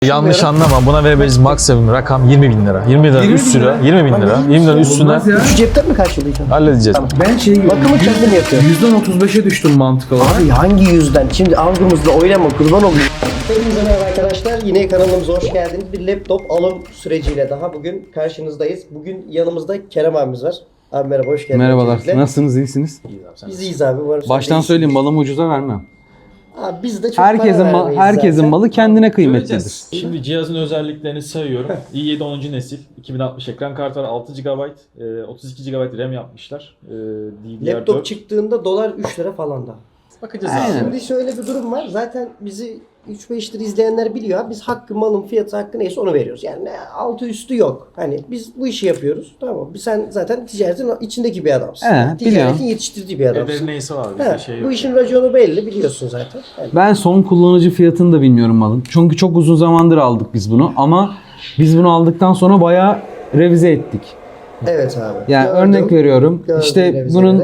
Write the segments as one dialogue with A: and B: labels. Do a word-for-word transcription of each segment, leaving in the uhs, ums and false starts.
A: Yanlış anlama, buna verebiliriz maksimum rakam yirmi bin lira. yirmi bin lira üst lira, yirmi bin lira. yirmi bin lira üstüne
B: Şu cepten mi karşılayacaksın?
A: halledeceğiz.
B: Tamam.
C: Ben şey gibi,
B: Bakımı kendim yapıyorum.
C: yüzden otuz beşe düştüm mantık olarak.
B: Abi hangi yüzden? Şimdi algımızla oynama, kurban olayım. Hepinize merhaba arkadaşlar. Yine kanalımıza hoş geldiniz. Bir laptop alım süreciyle daha bugün karşınızdayız. Bugün yanımızda Kerem abimiz var. Abi merhaba, hoş geldiniz.
C: Merhabalar,
B: öncelikle.
C: nasılsınız, iyisiniz?
B: Biz iyiyiz abi. Umarım
C: Baştan
B: siz de
C: söyleyeyim, malımı ucuza vermem.
B: iyisiniz. Abi biz de çok
C: Herkesin,
B: para
C: ma-
B: vermeyiz
C: herkesin
B: zaten.
C: malı kendine kıymetlidir.
D: Göreceğiz. Şimdi cihazın özelliklerini sayıyorum. i yedi onuncu nesil, iki bin altmış ekran kartı var, altı gigabayt, e, otuz iki gigabayt RAM yapmışlar. E, D D R dört.
B: Laptop çıktığında dolar üç lira falan da.
D: Bakacağız
C: Aynen.
D: abi.
B: Şimdi şöyle bir durum var. Zaten bizi üç beş lira izleyenler biliyor. Abi. Biz hakkı, malın fiyatı hakkı neyse onu veriyoruz. Yani altı üstü yok. Hani biz bu işi yapıyoruz. Tamam. Biz sen zaten ticaretin içindeki bir adamsın.
C: He,
B: Yani
C: biliyorum.
B: ticaretin yetiştirdiği bir adamsın.
D: Ederi neyse var bizde
B: He,
D: şey
B: bu
D: yok.
B: işin raconu belli biliyorsun zaten. Yani
C: Ben son kullanıcı fiyatını da bilmiyorum malın. Çünkü çok uzun zamandır aldık biz bunu ama biz bunu aldıktan sonra bayağı revize ettik.
B: evet abi.
C: Yani
B: Gördüm.
C: örnek veriyorum.
B: Gördüm
C: işte
B: revizeleri.
C: bunun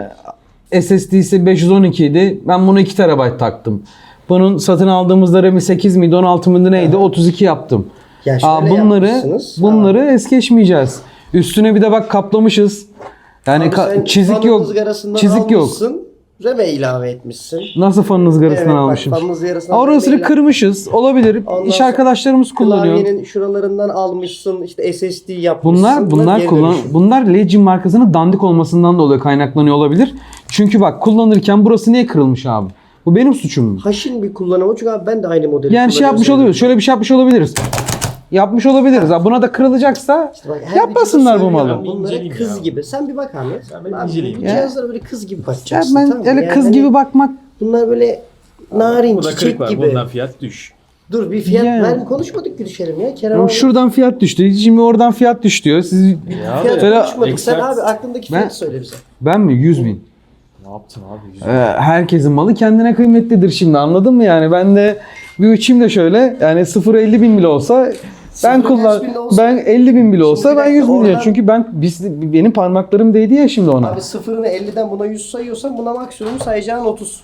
C: e, S S D'si beş yüz on iki idi. Ben bunu iki terabayt taktım. Bunun satın aldığımızda RAM'i sekiz miydi, on altı mıydı neydi? otuz iki yaptım.
B: Ya şöyle
C: Aa, bunları
B: yapmışsınız.
C: bunları es geçmeyeceğiz. Üstüne bir de bak kaplamışız. Yani
B: Abi
C: ka-
B: sen
C: çizik
B: fanın
C: yok.
B: ızgarasından
C: Çizik yok.
B: almışsın, RAM'e ilave etmişsin.
C: Nasıl fanın ızgarasından
B: Evet, bak,
C: almışım?
B: fanın ızgarasından
C: Orasını
B: RAM'e ilave-
C: kırmışız. Olabilir.
B: Ondan
C: İş
B: sonra
C: arkadaşlarımız kullanıyor.
B: Klavyenin şuralarından almışsın, işte S S D yapmışsın.
C: Bunlar bunlar
B: geri
C: kullan
B: dönüşüm.
C: bunlar Legend markasının dandik olmasından dolayı kaynaklanıyor olabilir. Çünkü bak kullanırken burası niye kırılmış abi? Bu benim suçum mu?
B: Haşin bir kullanımı çünkü abi ben de aynı modeli
C: Yani şey yapmış
B: kullanıyorum.
C: olabiliriz. Şöyle bir şey yapmış olabiliriz. Yapmış olabiliriz. Ha, buna da kırılacaksa
B: İşte bak, her
C: yapmasınlar bu
B: videoda
C: malı.
B: söylüyorum, Bunlara
D: İnceleyeyim
B: kız
D: ya.
B: gibi. Sen bir bak abi.
D: Sen bir
B: Abi,
D: inceleyeyim
B: bu
D: ya.
B: cihazlara böyle kız gibi
C: Ya
B: bakacaksın.
C: ben
B: tamam mı?
C: öyle
B: Yani
C: kız
B: hani
C: gibi bakmak
B: bunlar böyle narin,
D: Burada
B: çiçek
D: kırık var.
B: gibi.
D: Bundan fiyat düş.
B: Dur bir fiyat
C: Yani.
B: ver mi konuşmadık Gülüşerim ya. Kerem
C: ama
B: abi
C: şuradan fiyat düştü. Şimdi oradan fiyat düştü diyor. Siz
D: Ya
B: fiyat
C: Böyle-
B: konuşmadık. Sen
D: Expert-
B: abi aklındaki
C: Ben-
B: fiyatı söyle bize.
C: ben mi yüz bin?
D: Ne yaptın abi? Yüz-
C: Ee, herkesin malı kendine kıymetlidir şimdi, anladın mı yani? Ben de bir uçayım da şöyle, yani sıfır elli bin bile olsa ben
B: Sıfır
C: kullan
B: kaç bin olsa-
C: ben elli bin bile olsa
B: Şimdi bir
C: ben yüz bin
B: dakika,
C: diyeceğim.
B: oradan-
C: Çünkü ben biz, benim parmaklarım değdi ya şimdi ona.
B: Abi sıfırını elliden buna yüz sayıyorsan buna maksimum sayacağın otuz.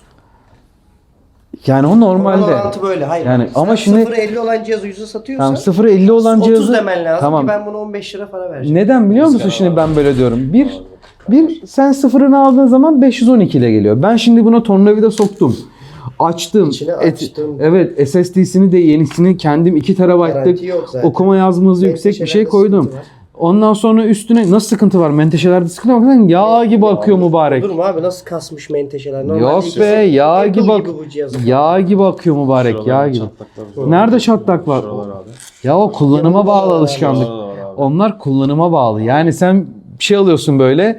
C: Yani o
B: Normal
C: normalde.
B: orantı böyle. Hayır.
C: Yani
B: Sen
C: ama şimdi-
B: sıfır elli olan cihazı yüze satıyorsan
C: Tamam, sıfır elli olan
B: otuz
C: cihazı
B: demen lazım
C: tamam.
B: ki ben buna on beş lira para vereceğim.
C: Neden biliyor musun
D: Rüzgar
C: şimdi
D: var.
C: ben böyle diyorum? Bir bir sen sıfırını aldığın zaman beş yüz on iki ile geliyor. Ben şimdi buna tornavida soktum. Açtım.
B: İçine
C: Et-
B: açtım.
C: evet, S S D'sini de yenisini kendim iki terabaytlık
B: Garanti yok zaten.
C: okuma yazma hızı yüksek bir şey
B: Menteşelerde
C: koydum.
B: sıkıntı var.
C: Ondan sonra üstüne nasıl sıkıntı var? Menteşelerde sıkıntı var. Yağ gibi akıyor mübarek.
B: Durma abi nasıl kasmış menteşeler. Normalde
C: Yok
B: ikisi
C: be, yağ
B: Apple
C: gibi ak-
B: bu cihazın.
C: Yağ gibi akıyor mübarek, yağ
D: Şuralarda
C: gibi.
D: çatlaklar var.
C: Nerede çatlak var?
D: Şuralar abi.
C: Ya o kullanıma bağlı alışkanlık.
D: Şuralar var abi.
C: Onlar kullanıma bağlı. Yani sen bir şey alıyorsun böyle.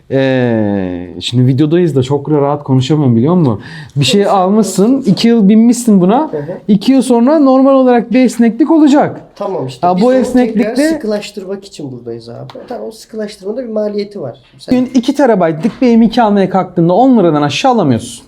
C: Ee, şimdi videodayız da çok rahat konuşamıyorum, biliyor musun? Bir şey almışsın, iki yıl binmişsin buna.
B: hı.
C: iki yıl sonra normal olarak bir esneklik olacak.
B: Tamam işte.
C: Ha,
B: biz
C: bu
B: onu
C: esneklikte-
B: tekrar sıkılaştırmak için buradayız abi. Tamam o sıkılaştırmada bir maliyeti var. Sen
C: Bugün iki terabaytlık bir M iki almaya kalktığında on liradan aşağı alamıyorsun.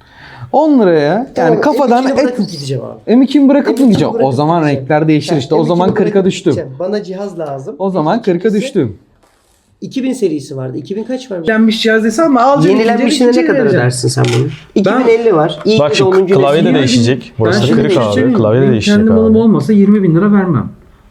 C: on liraya yani
B: Tamam,
C: kafadan
B: M iki'ni bırakıp
C: et
B: gideceğim abi.
C: M iki'ni bırakıp
B: M
C: mı
B: iki'ni
C: gideceğim? O
B: bırakıp
C: zaman
B: gideceğim.
C: renkler değişir işte.
B: Ha,
C: O zaman
B: M iki'ni
C: kırka
B: bırakıp
C: düştüm.
B: gideceğim. Bana cihaz lazım.
C: O zaman kırka
B: İkincisi,
C: düştüm.
B: iki bin serisi vardı. iki bin kaç var?
C: Yenilenmiş cihaz desem ama alacağım.
B: Yenilenmişine ne kadar ödersin sen bunu? iki bin elli var. İyi
A: Bak
B: ki
A: şu
B: de onuncu
A: klavye de
B: nesil.
A: değişecek. Burası
C: şimdi
A: kırık
C: bir şey
A: abi.
C: söyleyeyim mi?
A: Klavye de
C: Benim
A: değişecek
C: kendi malım
A: abi.
C: olmasa yirmi bin lira vermem.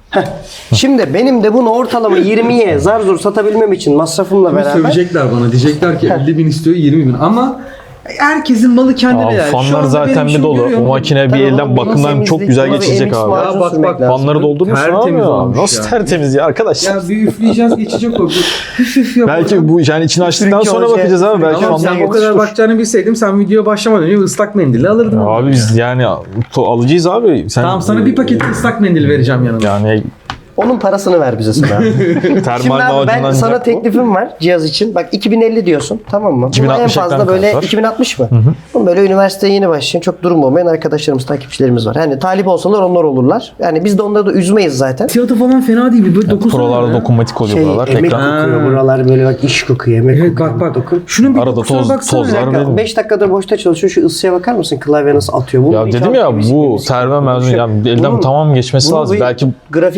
B: Şimdi benim de bunu ortalama yirmiye zar zor satabilmem için masrafımla beraber
C: Sövecekler bana. Diyecekler ki elli bin istiyor, yirmi bin. Ama herkesin malı kendine
A: Abi
C: yani. Şu
A: fanlar
C: anda
A: zaten
C: benim
A: bir
C: şimdi
A: dolu.
C: görüyorum.
A: O makine bir
B: Tabii
A: elden
B: oğlum,
A: bakımdan
B: temizlik,
A: çok güzel
B: buna bir
A: geçecek
B: M X
A: abi.
B: macun
C: Ya bak,
B: sürmek
C: bak,
B: lazım.
A: Fanları doldurmuşsun
C: Tertemiz
A: abi.
C: olmuş
A: Nasıl
C: ya.
A: tertemiz ya arkadaş?
C: Ya bir üfleyeceğiz, geçecek o. Bir Hüf hüf yap.
A: Belki bu yani içini açtıktan
B: Üfürük
A: sonra
B: olacak.
A: bakacağız abi. Belki
C: Tamam,
A: fanlar
C: sen o kadar
A: yetişir.
C: bakacağını bilseydim sen videoya başlamadan önce ıslak mendili alırdın.
A: Abi biz yani to- alacağız abi. Sen,
C: Tamam, sana bir paket ıslak mendil vereceğim yanına.
A: yani
B: onun parasını ver bize sana. Şimdi
A: termal
B: abi ben
A: macundan
B: sana teklifim var cihaz için. Bak iki bin elli diyorsun, tamam mı?
A: iki bin
B: Buna en
A: altmış
B: fazla
A: ekran
B: böyle
A: kartı var.
B: iki bin altmış mı? Bunun böyle üniversiteye yeni başlayan çok durum olmayan arkadaşlarımız, takipçilerimiz var. Yani talip olsalar onlar olurlar. Yani biz de onları da üzmeyiz zaten.
C: Fiyatı falan fena değil. Böyle dokunsana.
A: Prolarda
C: ya.
A: dokunmatik oluyor
B: Şey,
A: buralar.
B: emek
A: Ekran.
B: kokuyor buralar böyle bak iş kokuyor, emek
C: Evet
B: kokuyor.
C: bak bak.
B: Dokun.
C: Şunun bir
A: Arada
C: dokusuna
A: toz-
C: baksana
A: tozlar
C: ya.
A: verin.
B: beş dakikada boşta çalışıyor. Şu ısıya bakar mısın? Klavye nasıl atıyor? Bunu
A: Ya
B: bir
A: dedim
B: tam
A: ya
B: temiz
A: bu
B: temiz
A: serve
B: konuşuyor.
A: mezun yani elden
B: Bunun-
A: tamam geçmesi
B: bunu
A: lazım.
B: bir
A: Belki
B: grafik
C: Bir okuyup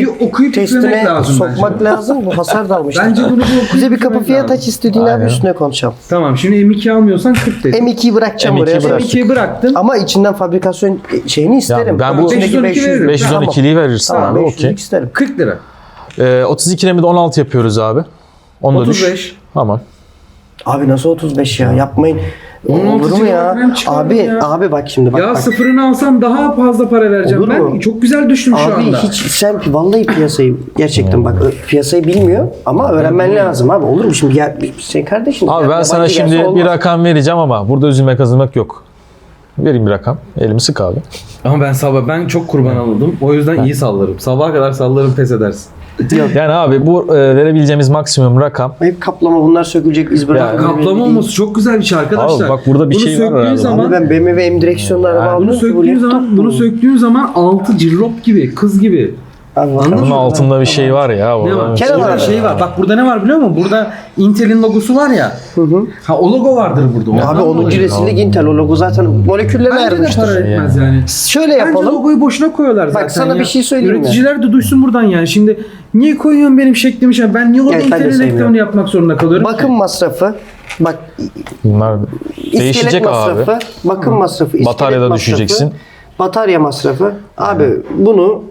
C: titremek
B: testine
C: lazım
B: sokmak
C: bence.
B: lazım. Bu hasar da almıştır.
C: Bence bunu bu
B: Bize bir kapı fiyat aç istediğin abi
A: Aynen.
B: üstüne konuşalım.
C: Tamam şimdi M iki almıyorsan kırk dedim.
B: M ikiyi bırakacağım
A: M ikiyi
B: buraya.
A: bırak.
C: M ikiyi bıraktın.
B: Ama içinden fabrikasyon şeyini isterim.
A: ben
B: Ama
A: bu
B: içindeki
C: beş yüz on iki veririm.
A: beş yüz on ikiliyi verirsin
B: Tamam,
A: abi.
B: beş yüzlük
A: Okey.
B: isterim.
C: kırk lira.
A: Ee, otuz iki RAM'i de on altı yapıyoruz abi. Onu da düş.
C: otuz beş.
A: Tamam.
B: Abi nasıl otuz beş ya? Yapmayın.
C: on altı
B: Olur mu ya?
C: RAM çıkardım
B: Abi
C: ya.
B: abi bak şimdi bak
C: Ya
B: bak.
C: sıfırını alsam daha fazla para vereceğim.
B: Olur
C: Ben
B: mu?
C: çok güzel düştüm şu
B: Abi
C: anda.
B: hiç sen vallahi piyasayı gerçekten bak ö- piyasayı bilmiyor ama öğrenmen lazım abi. Olur mu şimdi ya sen kardeşin.
A: Abi
B: ya,
A: ben sana
B: yabancı
A: şimdi
B: gelse
A: bir
B: olmaz.
A: rakam vereceğim ama burada üzülme kazanmak yok. Vereyim bir rakam. Elimi sık abi.
C: Ama ben sabah ben çok kurban alındım. O yüzden iyi sallarım. Sabaha kadar sallarım pes edersin.
A: Yani abi bu e, verebileceğimiz maksimum rakam.
B: Hep kaplama bunlar sökülecek iz bırakmıyor.
A: Ya,
C: Kaplama olması çok güzel bir şey arkadaşlar.
A: Abi bak burada bir
C: Bunu
A: şey var
C: söktüğün
A: herhalde.
C: zaman-
B: Abi ben B M W M direksiyonlu araba
A: Yani
B: aldım.
C: Bunu
B: ki bu
C: söktüğün
B: laptop
C: zaman,
B: bu.
C: bunu söktüğün zaman altı cillop gibi, kız gibi.
B: Abi bakalım.
C: Anladın
A: Bunun
C: mı?
A: altında bir şey var ya.
C: Ne var?
A: orada.
B: Kenan
C: Burada
B: abi.
C: şey var. Bak burada ne var biliyor musun? Burada Intel'in logosu var ya.
B: Hı hı.
C: Ha o logo vardır burada. Ondan
B: Abi onuncu
C: dolayı.
B: nesillik Intel o logo zaten moleküllerine
C: Bence de
B: ayrılmıştır.
C: para etmez yani.
B: Şöyle
C: Bence
B: yapalım.
C: logoyu boşuna koyuyorlar zaten.
B: sana
C: ya.
B: bir şey söyleyeyim mi?
C: Üreticiler de duysun buradan yani. Şimdi niye koyuyorsun benim şeklimi? şey? Ben niye orada
B: Evet, ben de
C: Intel'in
B: sevmiyorum.
C: reklamını yapmak zorunda kalıyorum?
B: Bakım
C: ki?
B: masrafı. Bak
A: Bunlar
B: iskelet
A: değişecek
B: masrafı,
A: abi.
B: bakım masrafı, iskelet
A: Bataryada
B: masrafı,
A: düşeceksin.
B: Batarya masrafı. Abi bunu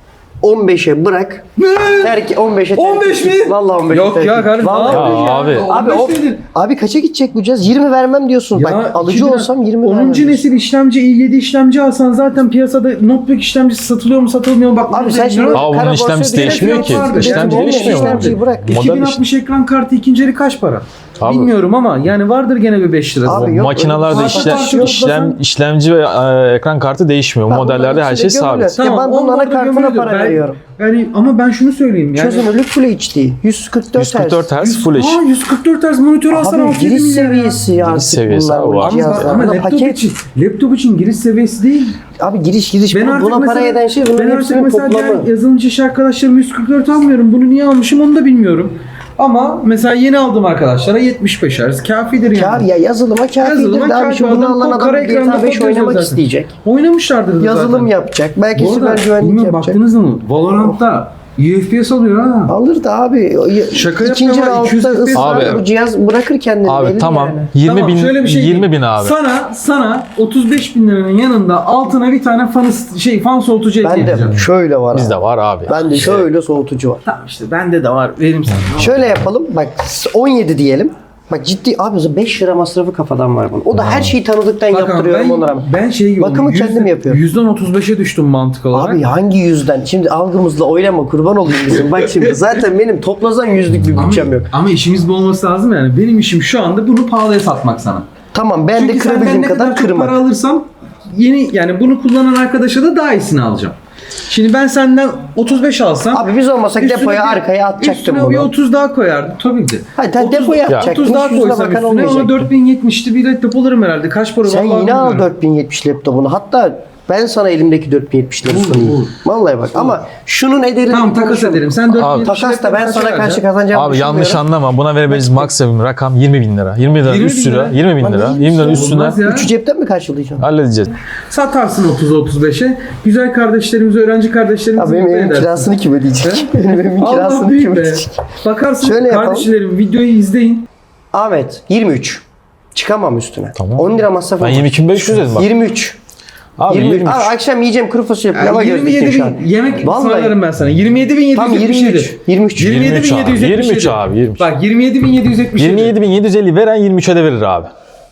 B: on beşe bırak. Terk on beşe terk
C: on beş
B: et.
C: mi?
B: Vallahi on beşe
C: Yok
B: terk
C: ya
B: et.
C: kardeşim.
B: Vallahi
C: ne
A: Ya
C: yapıyorsun
A: abi.
B: Abi,
C: on
B: o,
C: beş nedir?
B: abi kaça gidecek bu cihaz? yirmi vermem diyorsun. Bak alıcı
C: iki bin-
B: olsam yirmi vermem.
C: onuncu
B: diyorsun.
C: nesil işlemci i yedi işlemci alsan zaten piyasada notebook işlemcisi satılıyor mu satılmıyor mu? Bak
B: Abi
C: bunu
B: sen şimdi
C: bilmiyorum.
A: Aa, bunun
B: kara
A: işlemcisi
B: borsaya
A: değişmiyor
B: düşecek
A: ki.
B: fiyatı
A: İşlemci
B: olmayan
A: değişmiyor mu?
B: işlemciyi bırak.
A: Model
C: iki bin altmış ekran kartı ikinci eli kaç para?
A: Abi.
C: Bilmiyorum ama yani vardır gene bir beş lirası.
B: Abi yok,
A: Makinalarda
B: öyle bir
A: işlem,
C: şey yok.
A: işlem, işlemci ve e, ekran kartı değişmiyor.
B: Ben
A: Modellerde
B: bunların
A: her şey
B: içinde gömülüyor.
A: sabit.
B: Ya ben bunun
C: onlar da
B: anakartına
C: gömülüyordur.
B: para
C: Ben-
B: veriyorum.
C: Yani ama ben şunu söyleyeyim yani.
B: Çözünürlük Full H D. yüz kırk dört
A: yüz kırk dört
B: Hz.
A: Hz Full H D.
C: Aa, yüz kırk dört Hz monitör alsan
B: Abi
C: altı yedi
B: giriş
C: milyar ya.
B: seviyesi ya artık
A: seviyesi
B: bunlar.
A: abi
B: bu
A: var.
C: Ama,
B: cihazlar.
C: ama
B: Buna
C: laptop
B: paket.
C: için, laptop için giriş seviyesi değil.
B: Abi giriş giriş
C: Ben
B: bu-
C: artık
B: buna
C: mesela,
B: para eden şey
C: ben
B: bunun
C: artık
B: hepsinin
C: mesela
B: toplamı.
C: diğer yazılımcı iş arkadaşlarım yüz kırk dört almıyorum. Bunu niye almışım onu da bilmiyorum. Ama mesela yeni aldım arkadaşlara yetmiş beş Hz kafidir yani.
B: Kâr ya yazılıma kafidir.
C: Yazılıma
B: de abi
C: kâfi.
B: şimdi bunu
C: Adam
B: alan
C: kod
B: adam
C: kara
B: G
C: ekranda
B: T A beş
C: kod yazıyor
B: oynamak
C: zaten.
B: isteyecek.
C: Oynamışlardır da
B: Yazılım
C: zaten.
B: yapacak. Belki
C: Bu
B: siber
C: arada
B: güvenlik
C: bilmiyorum
B: yapacak.
C: baktınız mı? Valorant'ta U F P S alıyor ha.
B: Alır da abi.
C: Şaka
B: İkinci
C: yapmıyorum, iki yüz
B: roundda
C: F P S
B: ısrar
A: abi.
B: bu cihaz bırakır kendini.
A: Abi
B: belli
A: tamam.
B: yani.
A: yirmi
C: Tamam,
A: bin,
C: şöyle bir şey
A: yirmi
C: diyeyim.
A: bin abi.
C: Sana sana otuz beş bin liranın yanında altına bir tane fan şey fan soğutucu hediye
B: Ben
C: edeceğim.
B: de şöyle var.
A: Bizde
B: abi.
A: var abi.
B: Ben de şöyle soğutucu var.
C: Tamam işte bende de var. Verim sana.
B: Şöyle yapalım. Bak on yedi diyelim. Bak ciddi abi beş lira masrafı kafadan var bunun. O da her şeyi tanıdıktan
C: Bakın
B: yaptırıyorum
C: ben,
B: ona rağmen.
C: ben şey gibi
B: Bakımı kendim yapıyorum.
C: yüzden otuz beşe düştüm mantık olarak.
B: Abi hangi yüzden? Şimdi algımızla oynama kurban olayım bizim. Bak şimdi zaten benim toplasan yüzlük bir
C: ama,
B: bütçem yok.
C: ama işimiz bu olması lazım yani. Benim işim şu anda bunu pahalıya satmak sana.
B: Tamam ben
C: Çünkü
B: de
C: senden
B: kırabildiğim
C: ne
B: kadar
C: kadar çok
B: kırmak.
C: para alırsam yeni yani bunu kullanan arkadaşa da daha iyisini alacağım. Şimdi ben senden otuz beş alsam
B: Abi biz olmasak
C: üstüne
B: depoya
C: bir-
B: arkaya atacaktım
C: üstüne bir
B: bunu.
C: otuz daha koyardım tabii ki.
B: Hayır sen
C: otuz
B: depoya
A: Ya.
B: atacaktın.
C: otuz daha
B: Hiç yüzüne
C: koysam
B: bakan
C: üstüne ona
B: olmayacaktı.
C: dört bin yetmişti bir laptop alırım herhalde. Kaç para
B: Sen
C: vallahi
B: yine al
C: bilmiyorum.
B: dört bin yetmiş laptopunu. Hatta ben sana elimdeki dört bin yetmişleri
C: Olur,
B: sunayım.
C: olur.
B: Vallahi bak ama şunun ederini
C: Tamam
B: bir
C: takas
B: konuşalım.
C: ederim. Sen dört bin
A: Abi,
C: yetmiş
B: Takas da ben
C: kaça
B: sana karşı
C: vereceksin?
B: kazanacağımı
A: Abi yanlış
B: düşünmüyorum.
A: anlama. Buna verebiliriz maksimum rakam yirmi bin lira. yirmi lira
C: yirmi
A: üst
C: bin
A: lira.
C: lira.
A: yirmi bin
B: Lan
A: lira.
B: iyiymiş
A: yirmi lira
B: ya.
A: üstüne
C: Olmaz ya.
B: Üçü cepten mi karşılayacağım?
A: halledeceğiz.
C: Satarsın otuza otuz beşe. Güzel kardeşlerimize, öğrenci kardeşlerimize
B: Abi benim
C: mutlu
B: evin
C: edersin.
B: kirasını kim ödeyecek? benim evimin
C: Allah
B: kirasını
C: büyük
B: kim
C: be.
B: ödeyecek?
C: Bakarsın
B: Şöyle yapalım.
C: kardeşlerim videoyu izleyin.
B: Ahmet yirmi üç. Çıkamam üstüne.
A: Tamam.
B: on lira masraf
A: Ben
B: olacak.
A: yirmi iki bin beş yüz dedim bak.
B: yirmi üç.
A: Abi
B: yirmi üç.
A: yirmi üç.
B: Abi akşam yiyeceğim kuru fasulye pilava
C: Yani
B: gözlüktüm
C: yirmi yedi
B: şu an.
C: bin yemek
B: Vallahi.
C: ısmarlarım ben sana. yirmi yedi bin yedi
B: Tam
C: yüz yetmiş
B: yirmi
C: yedi.
B: üç. yirmi üç.
C: yirmi yedi bin
A: yirmi üç
C: yedi yüz
A: abi.
C: yetmiş
A: yirmi üç
C: yedi.
A: abi. yirmi üç.
C: Bak yirmi yedi bin yedi yüz yetmiş yedi.
A: yirmi yedi bin yedi yüz elli veren yirmi üçe de verir abi.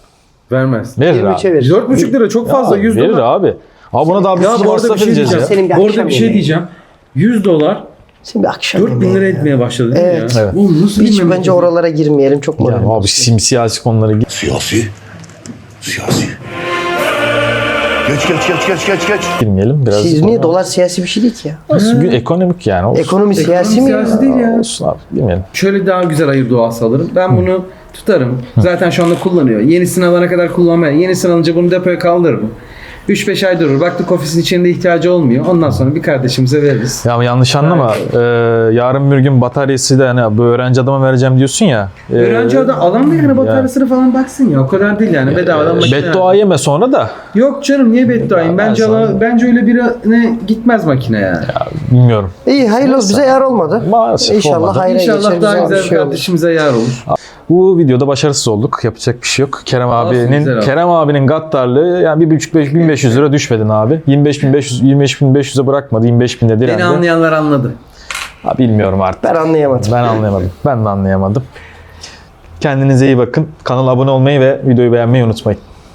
C: Vermez.
A: Verir
B: yirmi üçe
A: abi.
B: verir.
C: dört buçuk lira çok fazla.
A: Ya,
C: yüz
A: verir
C: dolar.
A: abi. Abi buna daha bir
C: Ya
A: sürü
C: bu arada bir
A: masraf
C: şey
A: edeceğiz
C: diyeceğim.
A: ya.
B: Senin bir
C: Bu arada
B: akşam
C: bir şey
B: yemeği.
C: diyeceğim. yüz dolar
B: Şimdi akşam
C: dört bin
B: yemeği
C: lira
B: ya.
C: etmeye başladı değil
B: Evet.
C: mi ya?
A: Evet.
C: Oğlum nasıl
B: Hiç
C: bilmem
B: bence
C: lazım.
B: oralara girmeyelim çok
A: Ya
B: moralim.
A: abi simsiyasi konulara git.
E: Siyasi. Siyasi. Geç geç geç geç geç geç.
A: girmeyelim. Biraz
B: Siz niye dolar siyasi bir şey değil ki ya?
A: Olsun, gün ekonomik yani. Olsun.
B: Ekonomi siyasi mi ya?
C: siyasi değil ya.
A: Olsun abi. Girmeyelim.
C: Şöyle daha güzel hayır duası alırım. Ben bunu tutarım. Zaten şu anda kullanıyor. Yenisini alana kadar kullanmaya. Yenisini alınca bunu depoya kaldırırım. üç beş ay durur. Baktık ofisin içinde ihtiyacı olmuyor. Ondan sonra bir kardeşimize veririz.
A: Ya ama yanlış anlama. Ee, yarın bir gün bataryası da hani bu öğrenci adama vereceğim diyorsun ya. E,
C: Öğrenci adam alan da yani bataryasını falan baksın ya. O kadar değil yani. Bedavadan makine.
A: beddua yeme sonra da.
C: Yok canım niye bedduayım? Bence
A: ben sana-
C: ala- bence öyle birine gitmez makine yani.
A: Bilmiyorum.
B: İyi hayırlı olsun. Bize yar olmadı.
A: Maalesef
B: İnşallah
A: olmadı.
B: hayra geçer.
C: İnşallah daha
B: güzel bir
C: güzel
B: şey olur.
C: kardeşimize yar olur.
A: Bu videoda başarısız olduk. Yapacak bir şey yok. Kerem
C: Olsun,
A: abinin
C: güzel abi.
A: Kerem abinin gaddarlığı yani bir buçuk beş bin beş yüz lira düşmedin abi. yirmi beş bin beş yüz yirmi beş bin beş yüze bırakmadı. yirmi beş binde direndi.
C: Beni anlayanlar anladı.
A: Ha, bilmiyorum artık.
B: Ben anlayamadım.
A: Ben anlayamadım. Ben de anlayamadım. Kendinize iyi bakın. Kanala abone olmayı ve videoyu beğenmeyi unutmayın.